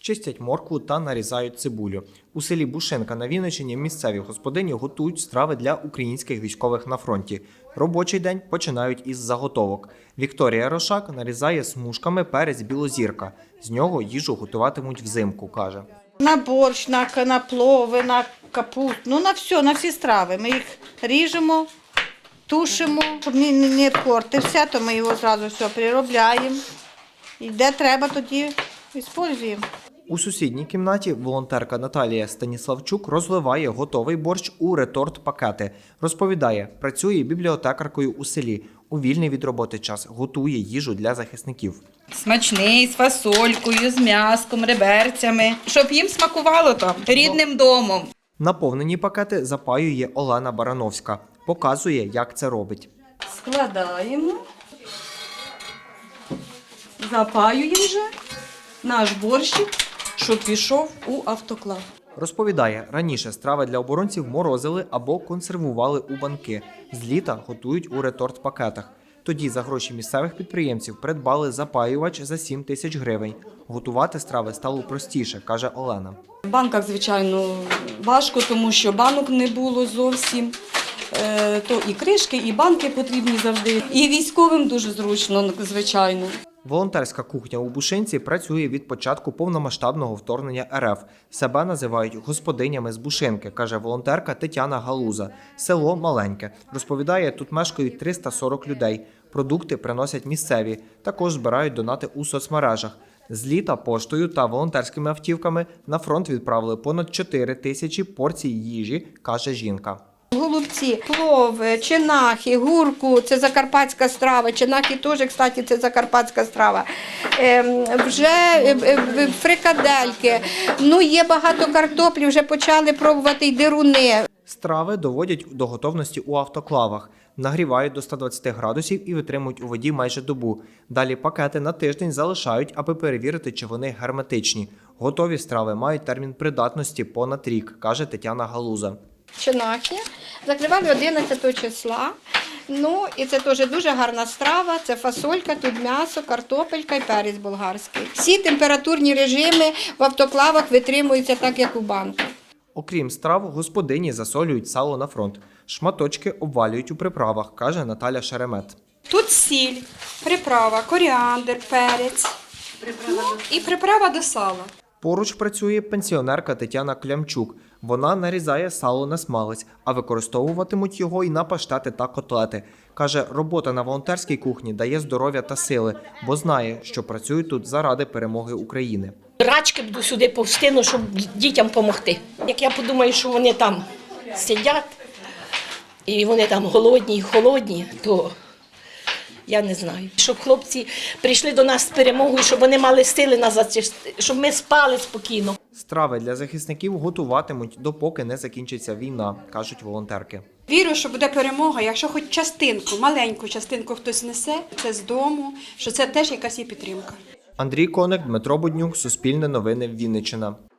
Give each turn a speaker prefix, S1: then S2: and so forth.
S1: чистять моркву та нарізають цибулю. У селі Бушинка на Вінниччині місцеві господині готують страви для українських військових на фронті. Робочий день починають із заготовок. Вікторія Рошак нарізає смужками перець білозірка. З нього їжу готуватимуть взимку, каже.
S2: На борщ, на плови, на капусту, на всі страви. Ми їх ріжемо, тушимо, щоб не портився, то ми його одразу все переробляємо. І де треба, тоді використовуємо.
S1: У сусідній кімнаті волонтерка Наталія Станіславчук розливає готовий борщ у реторт-пакети. Розповідає, працює бібліотекаркою у селі. У вільний від роботи час готує їжу для захисників.
S3: Смачний, з фасолькою, з м'яском, реберцями, щоб їм смакувало там рідним домом.
S1: Наповнені пакети запаює Олена Барановська. Показує, як це робить.
S3: Складаємо, запаюємо вже наш борщик, щоб пішов у автоклав.
S1: Розповідає, раніше страви для оборонців морозили або консервували у банки. З літа готують у реторт-пакетах. Тоді за гроші місцевих підприємців придбали запаювач за 7 тисяч гривень. Готувати страви стало простіше, каже Олена.
S3: В банках, звичайно, важко, тому що банок не було зовсім. То і кришки, і банки потрібні завжди. І військовим дуже зручно, звичайно.
S1: Волонтерська кухня у Бушинці працює від початку повномасштабного вторгнення РФ. Себе називають господинями з Бушинки, каже волонтерка Тетяна Галуза. Село маленьке. Розповідає, тут мешкають 340 людей. Продукти приносять місцеві. Також збирають донати у соцмережах. З літа поштою та волонтерськими автівками на фронт відправили понад 4 тисячі порцій їжі, каже жінка.
S2: Голубці, плов, чинахи, гурку – це закарпатська страва. Чинахи теж, кстати, це закарпатська страва. Вже фрикадельки. Є багато картоплі, вже почали пробувати й дируни.
S1: Страви доводять до готовності у автоклавах. Нагрівають до 120 градусів і витримують у воді майже добу. Далі пакети на тиждень залишають, аби перевірити, чи вони герметичні. Готові страви мають термін придатності понад рік, каже Тетяна Галуза.
S2: Чинахи закривали 11 числа. І це теж дуже гарна страва. Це фасолька, тут м'ясо, картопелька і перець болгарський. Всі температурні режими в автоклавах витримуються так, як у банках.
S1: Окрім страв, господині засолюють сало на фронт. Шматочки обвалюють у приправах, каже Наталя Шеремет.
S4: Тут сіль, приправа, коріандр, перець і приправа до сала.
S1: Поруч працює пенсіонерка Тетяна Клямчук. Вона нарізає сало на смалець, а використовуватимуть його і на паштети та котлети. Каже, робота на волонтерській кухні дає здоров'я та сили, бо знає, що працюють тут заради перемоги України.
S5: Рачки буду сюди повстину, щоб дітям допомогти. Як я подумаю, що вони там сидять, і вони там голодні і холодні, то я не знаю. Щоб хлопці прийшли до нас з перемогою, щоб вони мали сили назад, щоб ми спали спокійно.
S1: Страви для захисників готуватимуть, допоки не закінчиться війна, кажуть волонтерки.
S4: Вірю, що буде перемога, якщо хоч частинку, маленьку частинку хтось несе, це з дому, що це теж якась є підтримка.
S1: Андрій Коник, Дмитро Буднюк, Суспільне новини, Вінниччина.